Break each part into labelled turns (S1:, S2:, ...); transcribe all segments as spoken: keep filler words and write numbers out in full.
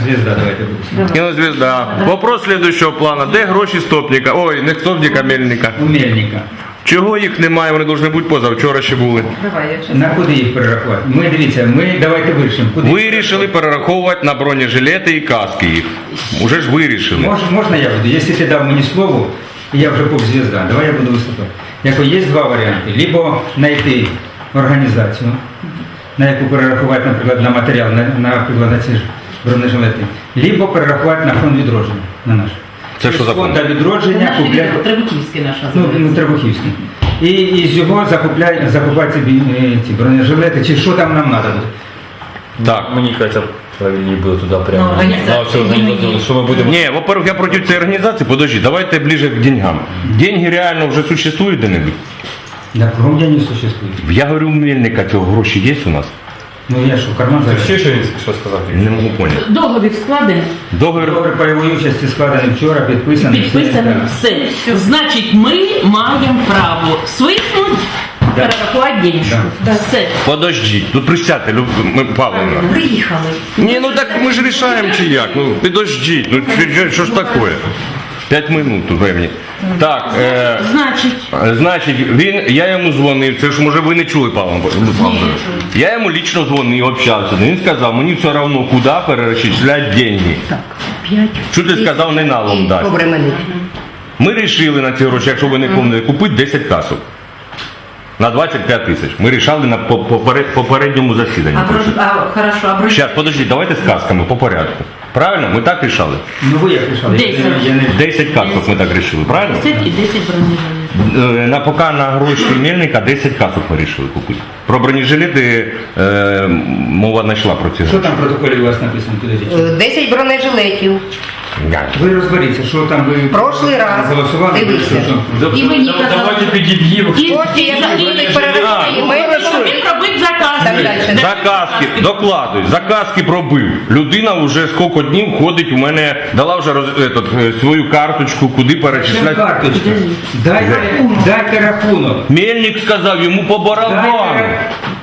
S1: Кинозвезда, давайте будемо.
S2: Кинозвезда. Вопрос следующего плана. Де гроші стопника? Ой, не стопника, мельника.
S1: У Мельника.
S2: Чого їх немає? Вони повинні бути позавчора ще були.
S3: Давай, я щас.
S1: На куди їх перерахувати? Ми, дивіться, ми давайте вирішимо. Куди
S2: Вирішили перераховувати на бронежилети і каски їх. Уже ж вирішили.
S1: Мож, можна я буду? Якщо ти дав мені слово, і я вже поп-звезда, давай я буду виступати. Яко є два варіанти. Либо знайти організацію, на яку перерахувати, наприклад, на матеріал, на, наприклад, на ці ж бронежилети. Либо перерахувати на фонд відродження, на наш.
S2: Це що за
S1: фонд
S2: фонд?
S1: відродження
S3: Наш
S1: купляє...
S3: Требухівський наш
S1: Ну,
S3: називається.
S1: ну Требухівський. І, і з його закупляє, закупати ці, бі- ці бронежилети, чи що там нам треба буде.
S2: Так.
S4: Мені кажется, правильнее было туда
S3: Ну,
S4: прямо.
S3: организация.
S4: На всю организацию, что мы будем...
S2: Не, во-первых, я против цієї організації. Подожди, давайте ближе к деньгам. Деньги реально вже существують де-небудь?
S1: Да, кругом я не существует.
S2: Я говорю, у Мельника цього гроші є у нас?
S1: Ну я що, в карман
S4: Ты
S1: зараз?
S4: все, что что сказал?
S2: Не можу поняти.
S3: Договір складений,
S2: Договір.
S1: Договір пайової участі складений вчора, підписаний.
S3: підписаний,
S1: все,
S3: все. Значить, ми маємо право свиснуть, перерахувати денежку. Все.
S2: Подождіть, тут присядьте, Люб... ми- Павловна.
S3: Приїхали.
S2: Ні, ну так ми ж рішаємо чи як? Ну, підождіть, ну що- що ж таке? П'ять минут тут времени. Так, е,
S3: Значить,
S2: значить, він, я йому дзвонив, це ж може ви не чули, Павло Павлович. Я йому лично дзвонив, общався, він сказав, мені все одно, куди перерахувати деньги.
S3: так, п'ять.
S2: Що ти сказав, не налом дасть. Ми вирішили на ці гроші, якщо ви не пам'ятаєте, купити десять касок. На двадцять п'ять тисяч. Ми вирішали на по- поперед- попередньому засіданні.
S3: А, брош- а, хорошо, а брош...
S2: Зараз, подождіть, давайте з касками по порядку. Правильно? Ми так рішали?
S1: Ну ви як рішали?
S3: Десять.
S1: Я не...
S2: десять касок ми так рішили, правильно?
S3: десять і десять бронежилетів.
S2: Е, На поки на гроші Мельника десять касок ми вирішили купити. Про бронежилети е, мова не йшла про ці
S1: Що
S2: гроші.
S1: там в протоколі у вас написано? Підождіть.
S5: десять бронежилетів.
S1: Ви розберіться, що там ви
S5: Прошлий раз.
S1: голосували?
S5: Дивися.
S1: що-
S3: І мені казали,
S4: Давайте підіб'ємо.
S3: і,
S5: Кошти,
S3: і,
S5: як
S3: і,
S5: будуть
S3: і,
S5: перераховані,
S3: і,
S5: ми-
S3: і, він робить заказ.
S5: Так далі.
S2: Заказки, докладуй, заказки пробив. Людина вже скільки днів ходить у мене, дала вже роз, етот, е, свою карточку, куди
S1: Чим
S2: перечисляти.
S1: карточка? Дайте, дайте рахунок.
S2: Мельник сказав йому по барабану.
S1: Дайте...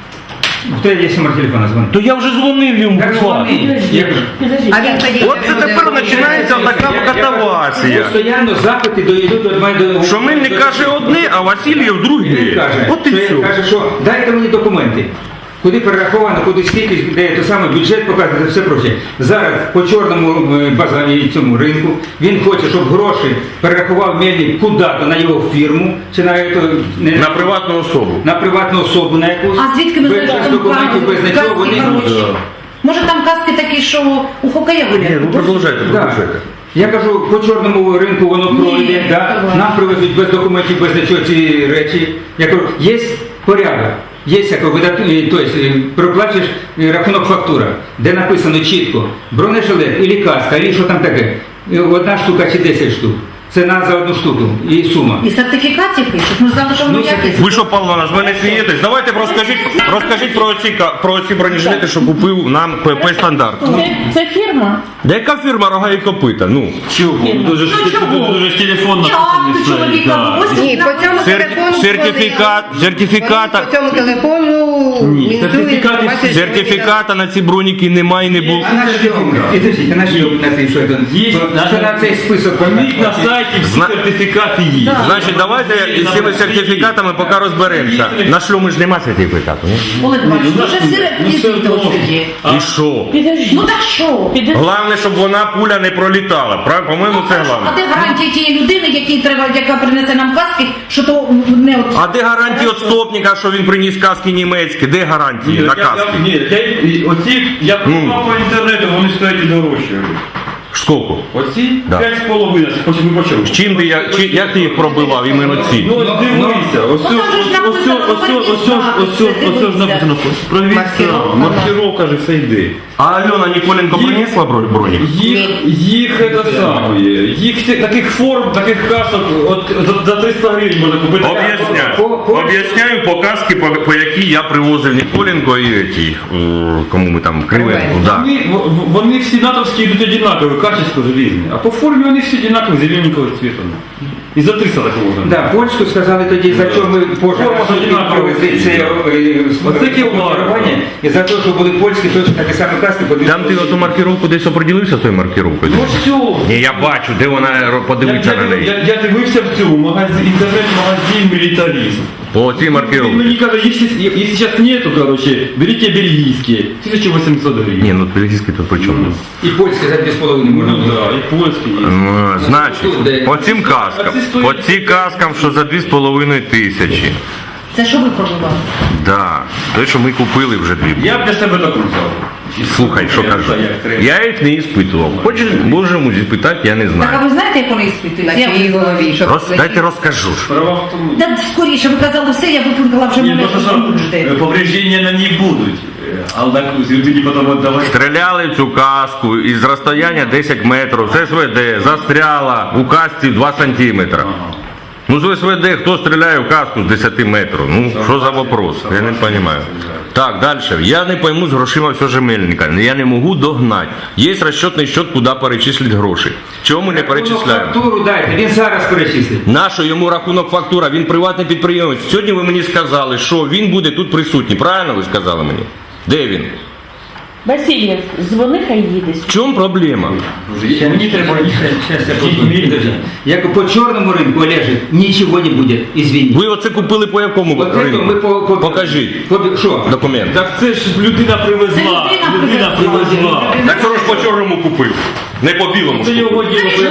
S1: Хто є номер телефона дзвонить?
S2: То я вже дзвонив йому.
S1: Так дзвони. Я кажу,
S3: Підожди.
S5: А він тоді
S2: От це тепер починається така катавасія.
S1: постійно запити доїдуть від мене до...
S2: Що Мельник каже одне, а Васильєв
S1: Він
S2: друге.
S1: каже,
S2: От і
S1: що,
S2: все.
S1: каже, що дайте мені документи. Куди перераховано, куди скільки, де той самий бюджет показує, все проче. Зараз по чорному е, базарі цьому ринку він хоче, щоб гроші перерахував Мельник куди-то на його фірму, чи на, ето, не,
S2: На приватну особу.
S1: на приватну особу на якусь.
S3: А звідки ми
S1: без,
S3: знаємо,
S1: без
S3: там
S1: документів, без
S3: каски
S1: нічого, вони...
S3: хороші? Може там каски такі, що у хокея
S2: Ні,
S3: гуляють?
S2: ну продовжайте,
S1: Да.
S2: продовжайте.
S1: Я кажу, по чорному ринку воно
S3: Ні,
S1: пройде, да?
S3: давай.
S1: Нам привезуть без документів, без нічого ці речі. Я кажу, є порядок, є як видатний, тобто проплачеш е, рахунок фактура, де написано чітко бронежилет, і каска, і що там таке. І одна штука чи десять штук. Ціна за одну штуку і сума.
S3: І сертифікації пишуть, ми знали, що воно
S1: Ну,
S3: якісне.
S2: Ви що, Павловна, з мене смієтесь? Давайте розкажіть, розкажіть про ці, ка- про ці бронежилети, що купив нам ПП «Стандарт».
S3: Це, це фірма?
S2: Яка фірма «Рога і копита»? Ну,
S4: Дуже ж
S3: Ну, чого?
S4: дуже ж телефон
S3: Ні, а ти чоловіка, ось
S5: Ні, по цьому
S2: Сер-
S5: телефону...
S2: сертифікат,
S5: вони-
S2: сертифіката,
S5: По цьому телефону...
S4: Ні,
S5: мінусує
S4: сертифікати-
S5: інформацію, що
S2: сертифіката на ці броніки немає і не було.
S1: А наш Підождіть, а наш на цей, що це?
S4: Є,
S1: Що на цей список?
S4: Поміть на сайті всі
S2: Зна-
S4: сертифікати є.
S2: Значить, давайте із цими сертифікатами поки розберемося. На шлюму ж нема сертифікату, ні?
S3: Олег Іванович,
S4: ну,
S3: дуже
S4: ну,
S3: все
S4: ну, все
S3: реквізити
S4: одно.
S3: ось є.
S2: І що?
S3: Підожди. Ну так що? Підожди.
S2: Головне, щоб вона пуля не пролітала. Прав- По-моєму, це
S3: А
S2: головне.
S3: де гарантія тієї людини, якій треба, яка принесе нам каски, що то не от...
S2: А де гарантії від стопника, що він приніс каски німецькі? Де гарантії на каски?
S4: Ні, я- оці, я придбав по інтернету, вони стоять і дорожче.
S2: Скільки?
S4: Оці
S2: Да.
S4: п'ять з половиною, потім ми почали.
S2: З чим ти, я- чи- як ти їх пробивав, іменно ці?
S4: Ну, ось дивися, ось
S3: Ну, там же ж
S4: ось ось
S3: написано,
S4: ось ось ось ось
S3: все,
S4: ось ось
S3: дивися.
S4: написано. Провірка,
S5: Маркировка,
S4: маркировка же все йде.
S2: А Альона Ніколенко
S4: Їх-
S2: принесла бро- бронік?
S4: Їх, їх це саме, їх ці- таких форм, таких касок, от за, за триста гривень можна купити.
S2: Об'ясняю.
S1: По- по-
S2: Об'ясняю по каски, по, по якій я привозив Ніколенко і ті, е, кому ми там Кривенко. Да.
S4: Вони, в- в- вони всі натовські йдуть однакові, качество желізне, а по формі вони всі однакові, зелененького цвіту. І за триста так можна.
S1: Да, польську сказали тоді, за що ми позже
S4: Форма одинакова.
S1: привезли це е,
S4: Оце кілвар.
S1: маркування, і за те, що були польські, точно такі самі каски.
S2: Там ти оту маркировку десь оприділився з тою маркировкою?
S4: Ну все.
S2: Ні, я бачу, де вона ро- подивиться
S4: я,
S2: на неї.
S4: Я, я дивився в цю магазин, інтернет-магазин «Мілітаризм».
S2: О, ці
S4: Він
S2: маркировки.
S4: мені каже, якщо, якщо зараз нету, короче, берите бельгійські, тисяча вісімсот гривень.
S2: Ні, ну бельгійський тут при чому?
S1: І польські за дві з половиною можна
S4: Ну
S1: було.
S4: да, і польські є.
S2: Ну, значить, по цим каскам,
S4: А ці стоять-
S2: по ці каскам, що за дві з половиною тисячі.
S5: Це що ви пробували?
S2: Да, те, що ми купили вже дві.
S4: Я б для себе так взяв.
S2: Слухай, що кажу. Я їх не іспитував. Хочеш, можемо зіпитати, я не
S5: Так, а
S2: знаю.
S5: ви знаєте, як вони іспитують?
S6: На чиїй голові, щоб
S2: Роз, дайте розкажу.
S4: Справа в тому.
S5: Да скоріше, ви казали все, я виплутала вже
S4: Ні,
S5: мене
S4: просто що
S5: тут жде.
S4: е, повреждення на ній будуть. Е, Але так, тоді потім віддавати.
S2: Стріляли в цю каску із розстояння десять метрів, з СВД, застряла у касці два сантиметри. Ну з СВД хто стріляє в каску з десяти метрів? Ну що за вопрос? Я не розумію. Так, далі. Я не пойму з грошима все жемельника. Я не можу догнати. Є розчетний счет, куди перечислити гроші. Чому ми не перечисляємо?
S1: Фактуру дайте, він зараз перечислить.
S2: Нащо йому рахунок фактура? Він приватний підприємець. Сьогодні ви мені сказали, що він буде тут присутній. Правильно ви сказали мені? Де він?
S3: Васильєв, дзвони, хай їде.
S2: В чому проблема?
S4: Мені треба їхати.
S1: Сейчас я подожди. Як по чорному ринку, Олежик, нічого не буде, извини.
S2: Ви оце купили по якому
S1: Вот это
S2: ринку?
S1: ми по, по,
S2: Покажіть
S1: По, що?
S2: документ.
S4: Так це ж людина привезла.
S5: Це людина
S4: Людина
S5: привезла.
S4: привезла.
S2: Так що ж по чорному купив? Не по білому.
S4: Це
S2: ж
S4: його
S2: купив.
S4: діло.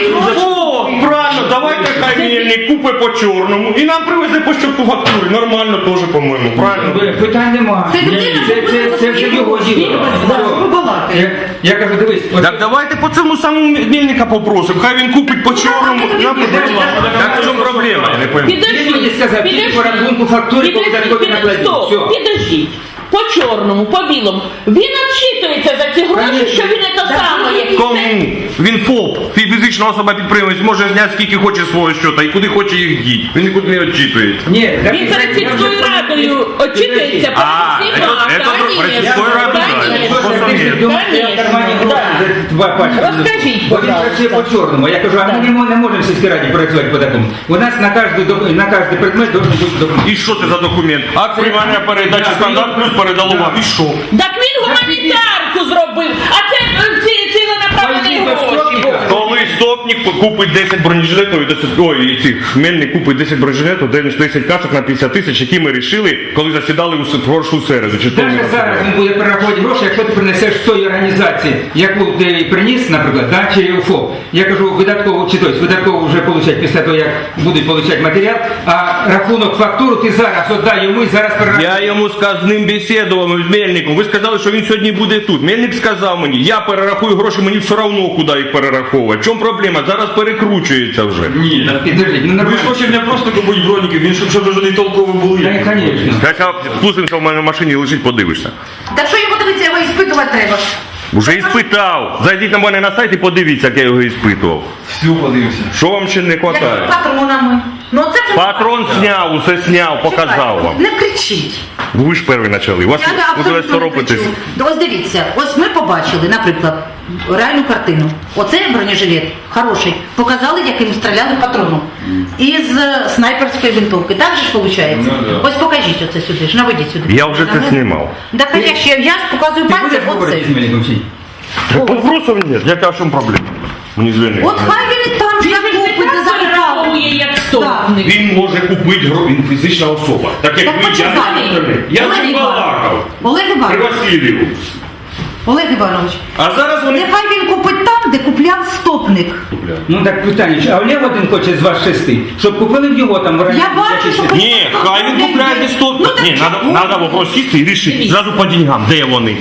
S2: О, правильно, давайте хай мельник купить по чорному і нам привезе по щоку фактури. Нормально теж, по-моєму. Правильно?
S1: Питань нема.
S5: Це людина
S1: це, це, це, це вже його діло.
S5: Да, ви балакаєте.
S1: Я, я кажу, дивись, от-
S2: Так давайте по цьому самому мельника попросимо. Хай він купить по чорному. і нам привезе. Так в чому проблема? Я не пойму.
S1: Він мені сказав, тільки по рахунку фактурі, по видатковій накладні.
S3: Стоп,
S1: Все.
S3: підождіть. По чорному, по білому. Він відчитується за ці гроші, що він не то саме.
S2: Кому? Він ФОП, фізична особа підприємець, може зняти скільки хоче свого щота і куди хоче їх діти. Він нікуди не відчитується.
S1: Ні, так,
S3: Він перед
S1: я
S3: сільською
S1: вже-
S3: радою очитується перед
S2: А,
S3: всіма.
S2: це- це
S3: Конечно,
S2: перед сільською радою, да.
S3: конечно.
S1: Просто
S2: Конечно.
S1: ти думаєш, я в кармані гроші за два пачки.
S3: Розкажіть,
S1: Бо він
S3: пожалуйста.
S1: працює по чорному. Я кажу, а ми
S3: Да.
S1: не мо- не можемо в сільській раді працювати по такому. У нас на кожний док- на кожний предмет должен бути документ.
S2: І що це за документ? Акт приймання передачі
S1: Да,
S2: стандарт плюс передало вам. І що?
S3: Так він гуманітарку зробив, а це е, ці ціленаправлені
S1: Ой,
S3: гроші були.
S2: Коли стопник купить десять бронежилетів, і десять, ой, і цих мельник купить десять бронежилетів, десять касок на п'ятдесят тисяч, які ми рішили, коли засідали у прошлу середу. Чи то ми
S1: Навіть зараз
S2: розглядали?
S1: він буде перераховувати гроші, якщо ти принесеш з тої організації, яку ти приніс, наприклад, да, чи ФОП. Я кажу, видатково, чи тобто, видатково вже получать після того, як будуть получати матеріал, а рахунок фактуру ти зараз віддай йому і зараз перерахуєш.
S2: Я йому сказ- з ним бесідував з мельником. Ви сказали, що він сьогодні буде тут. Мельник сказав мені, я перерахую гроші, мені все одно куди їх перераховувати. В чому проблема? Зараз перекручується вже.
S4: Ні, так
S1: Підождіть, ну
S4: ви ж
S1: нормально.
S4: хочете не просто купити броніки, він щоб щоб вже не толково були.
S1: Та, конечно.
S2: Хоча спустимося в мене в машині, лежить, подивишся.
S5: Так що його дивиться, його іспитувати треба.
S2: Уже іспитав. Зайдіть на мене на сайт і подивіться, як я його іспитував.
S4: Всю подивився.
S2: Що вам ще не
S5: Як
S2: вистачає?
S5: патронами. Ну це вже
S2: Патрон зняв, усе зняв, показав вам.
S5: Не кричіть.
S2: Ви ж перші почали. Вас
S5: Я не
S2: ви
S5: абсолютно не
S2: соропитесь.
S5: кричу. То Ось дивіться, ось ми побачили, наприклад, реальну картину. Оце бронежилет хороший. Показали, яким стріляли патроном. Із е, снайперської винтовки. Так же ж виходить?
S4: Ну, да.
S5: Ось покажіть оце сюди ж, наведіть сюди.
S2: Я вже це знімав.
S5: Так а я ще, я ж показую
S1: Ти будеш
S5: пальцем
S1: говорити
S5: оце.
S1: з Мельником чи ні?
S2: Вопросов нет. Яка в чому проблема? Мені звільнити.
S5: От хай він і там
S3: Він
S5: ж
S3: ж не
S5: закупить,
S3: так
S5: закупав.
S3: перераховує, як стопник.
S2: Він може купити гро, він фізична особа. Так як
S5: Так
S2: ви, я
S5: почекай.
S2: не Я
S5: Олег
S2: з ним
S5: Іванович.
S2: балакав.
S5: Олег
S2: При
S5: Іванович,
S2: Васильєву.
S5: Олег Іванович,
S2: А зараз вони...
S5: нехай він купить там, де купляв стопник.
S1: Ну так питання, а Олег один хоче з вас шести, щоб купили в його там в
S5: Я бачу, що...
S2: Ні, хай він купляє не сто.
S5: Ну, так
S2: Ні,
S5: чому?
S2: надо, надо вопрос сісти і рішити. Зразу по деньгам, де вони.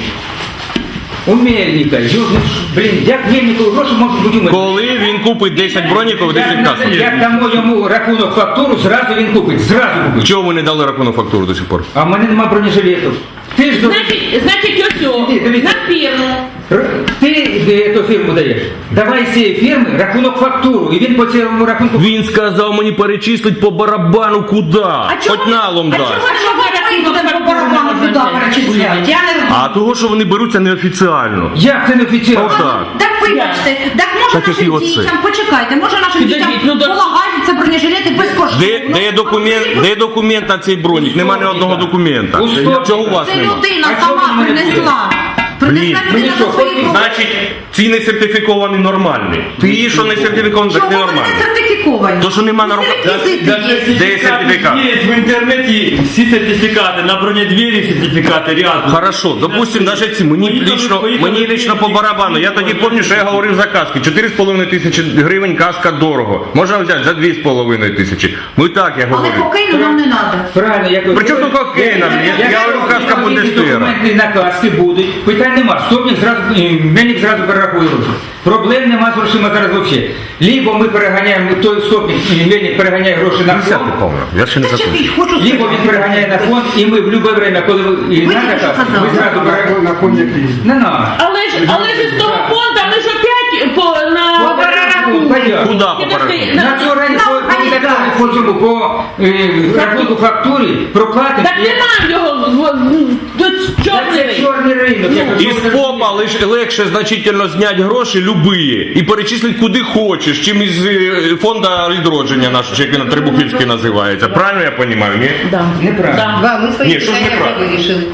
S1: У Мельника. Ю- ну, Блін, як Мельнику гроші можуть бути у мене?
S2: Коли він купить десять броніків, десять
S1: Як,
S2: касок.
S1: як дамо йому рахунок фактуру, зразу він купить, зразу купить.
S2: Чого ви не дали рахунок фактуру до сих пор?
S1: А в мене нема бронежилетів. Ти ж до...
S3: Значить, значить ось о,
S1: Іди, дивіться.
S3: на фірму.
S1: Р- Ти де ту фірму даєш. Давай з цієї фірми рахунок фактуру, і він по цьому рахунку...
S2: Він сказав мені перечислить по барабану куди. Хоч налом
S5: А
S2: дасть.
S5: чого ви будемо по барабану туди перечисляти? Я не розумію.
S2: А того, що вони беруться неофіціально.
S1: Як це не офіційно?
S2: Отак.
S5: Так вибачте, так може
S2: Так,
S5: нашим
S2: які оце?
S5: дітям, почекайте, може нашим
S3: Підождіть,
S5: дітям
S3: ну, да-
S5: полагаються бронежилети безкоштовно.
S2: Де, де, є документ, де є документ на цей бронік? Нема ні одного документа.
S1: У стопі.
S2: Чого у вас
S5: Це
S2: нема?
S5: людина
S1: А чого
S5: сама
S1: ви мене
S5: принесла.
S2: Блін,
S5: Принесла
S1: мені
S5: людина
S1: що,
S5: за свої
S1: хоч-
S5: гроші.
S2: Значить, ці не сертифіковані нормальні. Ти що не сертифікований, так
S5: Чого
S2: не
S5: вони
S2: нормальні.
S5: не сертифіковані?
S2: То, що нема нормальних.
S5: Реквізити є.
S2: Де є сертифікат?
S4: Є в інтернеті всі сертифікати, на бронедвері сертифікати, ряд.
S2: Хорошо, допустим, даже ці, мені
S4: Поїхали,
S2: лично,
S4: поїхали,
S2: мені лично по барабану. Я тоді пам'ятаю, що я говорив за каски. чотири з половиною тисячі гривень каска дорого. Можна взяти за дві з половиною тисячі. Ну і так я
S5: Але
S2: говорю.
S5: кокаїну нам не треба.
S1: Правильно, я кажу.
S2: При чому тут кокаїна? Я- я говорю, каска буде
S1: які
S2: стира.
S1: документи на каски будуть. Питань нема. Стопник зразу, е, мельник зразу перерахує гроші. Проблем нема з грошима зараз взагалі. Либо ми переганяємо, той стопник, і мельник переганяє гроші на
S2: Десятий,
S1: фонд,
S2: по-моєму. Я ще не
S5: Та чекай,
S2: закончив.
S5: хочу
S1: либо
S5: сказати.
S1: він переганяє на фонд, і ми в будь-яке время, коли ви- і
S5: Ви
S1: надо
S5: тільки що
S1: каски,
S5: казали.
S1: ми зразу переганяємо.
S6: На фонд який?
S1: Не надо.
S3: Але ж, але ж із того фонду ми ж опять по, на...
S1: По перерахунку.
S2: Куди по
S3: Підожди,
S2: порядку?
S3: на-
S1: На цьому рані
S5: на
S1: по, по,
S5: організацію.
S1: по цьому, по е, рахунку фактурі проплатимо.
S3: Так нема його в- до
S1: Це
S3: чорний.
S1: чорний ринок. я кажу,
S2: Із
S1: що ви
S2: попа лиш легше значительно зняти гроші любые і перечислити куди хочеш, чим із е, фонду відродження нашого, чи як він Трибухівський називається. Правильно я розумію, ні?
S3: Да.
S1: Неправильно.
S3: Да.
S7: Да, ми свої
S2: Ні, що ж
S7: питання
S2: неправильно?
S7: вже вирішили.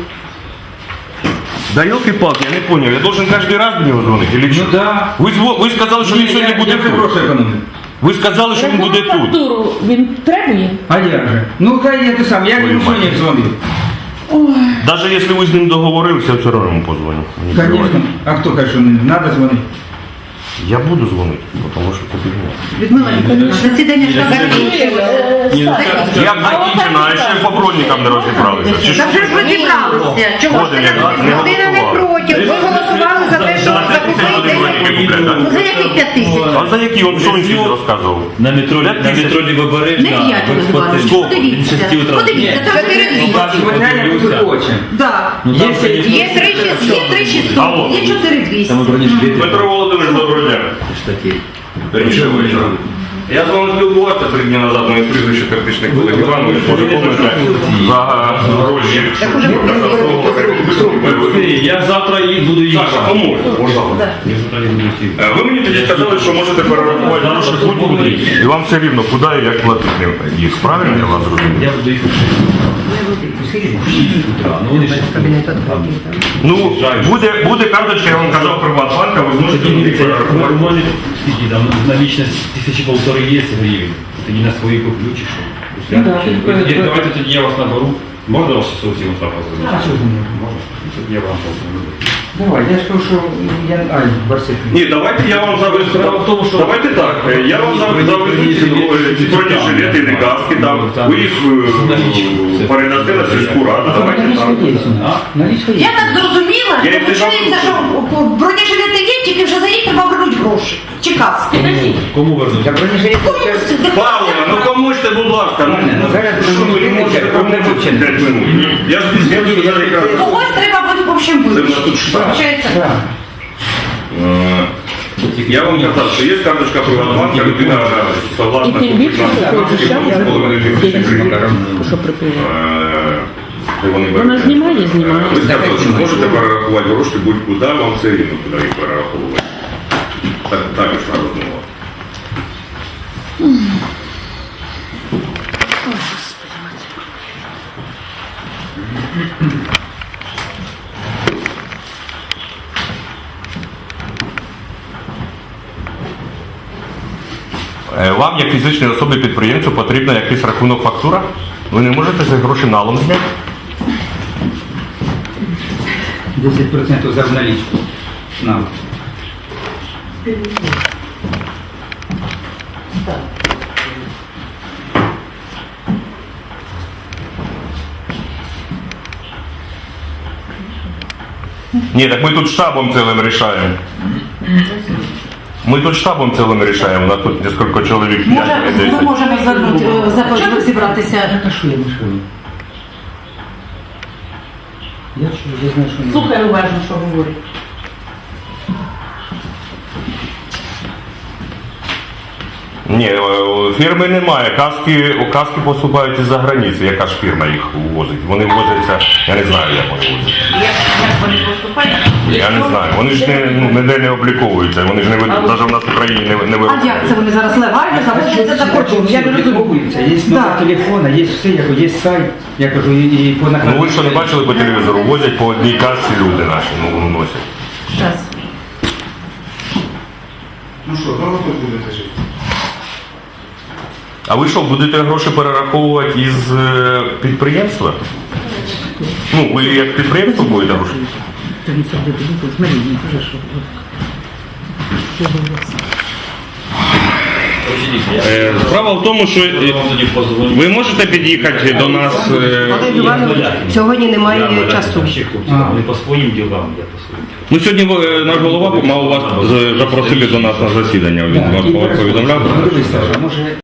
S2: Да елки-палки, я не понял, я должен каждый раз до него звонить или
S1: Ну
S2: что?
S1: да.
S2: Ви, зво- ви сказали, що він
S1: Ні,
S2: сьогодні
S1: я-
S2: буде
S1: я вже
S2: тут.
S1: гроші економлю.
S2: Ви сказали, що він буде тут.
S3: Фактуру він требує?
S1: А як же? Ну хай я те сам, я
S2: Ой,
S1: йому сьогодні
S2: мать.
S1: дзвонив.
S2: Даже если ви з ним договорилися, я все равно йому позвоню. Не
S1: Звісно.
S2: переживайте.
S1: А хто каже, що не треба дзвонити?
S2: Я буду дзвонити, тому що це фігня.
S5: Людмила Ніколаївна, засідання ж так
S4: Ні, ну, скажіть,
S2: Як закінчено, а ще по бронікам не розібралися. Чи що?
S5: Та вже ж розібралися. Чого?
S2: От, як не
S7: Людина не
S2: голосували.
S7: проти. Ви голосували за те, що
S2: За п'ять тисяч
S7: закупили
S2: люди броніки купляють,
S5: Ну,
S2: так?
S5: за яких п'ять тисяч?
S2: А за які? Он що він сьогодні розказував?
S4: На метро, на метро Лівобережна,
S5: Не я тебе звала.
S2: Сколько?
S5: Подивіться.
S4: Шести утра.
S5: Подивіться, це
S7: Чотири
S5: чотири
S7: двісті.
S5: двісті.
S1: Матеріально дуже хоче.
S5: Да.
S4: Ну, там,
S1: Є
S4: конечно,
S7: Є три шістсот.
S5: Є три шістсот,
S2: Алло.
S5: є чотири двісті.
S4: Там бронежилети.
S2: Дмитро Володимирович, доброго дня.
S4: Такі.
S2: Раніше вечора. Я з вами спілкувався три дні назад, моє прізвище Картичник Олег Іванович, може помните, за гроші.
S4: Я завтра і буду їхати.
S2: Саша, поможете, пожалуйста.
S4: Я завтра не буду їхати.
S2: Е, Ви мені тоді сказали, що можете перерахувати гроші куди, і вам все рівно, куди і як платити їх. Правильно я вас зрозумів?
S4: Я буду їхати. утра. Ну, вони ж там.
S2: Ну, буде, буде карточка, я вам казав, Приватбанка, ви зможете
S4: Тоді
S2: їх
S4: дивіться,
S2: перерахувати.
S4: нормально, скільки там налічність тисячі полтори є гривень. Тоді на свої куплю чи що.
S1: Ну, да,
S4: Я-
S1: ти-
S4: я- Давайте тоді я вас наберу. Можна вас часов всі вам позвонити?
S1: А що ж не
S4: Можна? Ну, Тоді я вам позвоню.
S1: Давай, я ж кажу, що я... Ай, Барсик.
S2: Ні, давайте я вам завезу.
S4: Справа в тому, що-
S2: Давайте так, е, я вам зав- завезу ці ці бронежилети і каски, там, ви їх е, передасте на сільську раду, давайте
S1: Налічка
S2: так.
S1: є.
S4: А?
S1: Налічка є.
S5: Я так зрозуміла,
S2: Я їх
S5: виходить,
S2: держав
S5: що бронежилети є, тільки вже за їх треба вернути гроші. Чи каски.
S4: Кому вернуть?
S1: Я бронежилет це...
S2: Павло, ну поможете, будь ласка. Ну,
S1: Ну, зараз
S2: що ви не можете, поможете п'ять минут. Я ж я ж зараз якраз...
S5: Когось треба буде в общем
S2: Це в нас
S5: вирішити.
S2: тут штаб.
S5: Получається,
S1: Так.
S2: Е, Я вам казав, що є карточка Приватбанка, людина согласна
S3: І тим
S2: купити
S3: більше,
S2: на
S3: що
S2: карточці з половиною тисячі гривень.
S3: Що припине?
S2: Е, і вони
S3: Вона
S2: беруть.
S3: знімає, знімає.
S2: Ви сказали, що можете перерахувати гроші будь-куди, вам все рівно куди їх перераховувати. Так, так ішла розмова. Е, Вам, як фізичній особі підприємцю, потрібна якийсь рахунок фактура? Ви не можете ці гроші налом зняти?
S1: десять відсотків за налічку. Нам.
S2: Ні, так ми тут штабом цілим рішаємо. Ми тут штабом цілим рішаємо, у нас тут кілька чоловік,
S5: може,
S2: п'ять
S5: ми
S2: десять.
S5: можемо звернути, е, запро- зібратися.
S1: А що я мішаю? Я чую, я знаю, що...
S3: Слухай уважно, що говорить.
S2: Ні, е, фірми немає. Каски, каски поступають із-за границі. Яка ж фірма їх возить? Вони возяться, я не знаю, як вони возять.
S3: Як, як вони поступають?
S2: Я не знаю. Вони ж не, ну, ніде не обліковуються. Вони ж не вид- навіть в нас в Україні не, не
S5: А як це вони зараз легально заводяться за кордон? Я не розумію.
S1: Відмовуються. Є номер
S5: Да.
S1: телефона, є все, я кажу, є сайт, я кажу, і, і по накладу.
S2: Ну ви що не бачили по телевізору? Возять по одній касці люди наші, ну носять.
S3: Щас.
S6: Ну що, довго тут будете жити?
S2: А ви що, будете гроші перераховувати із е, підприємства? Ну, ви як підприємство будете гроші? Е, Справа в тому, що е, ви можете під'їхати до нас. е,
S7: Олег Іванович, сьогодні немає часу.
S4: Не по своїм ділам, я по своїм.
S2: Ну сьогодні е, наш голова мав вас з- запросити до нас на засідання. Він
S1: Так,
S2: вас
S1: і
S2: повідомляв.
S1: Дивись, Саша, може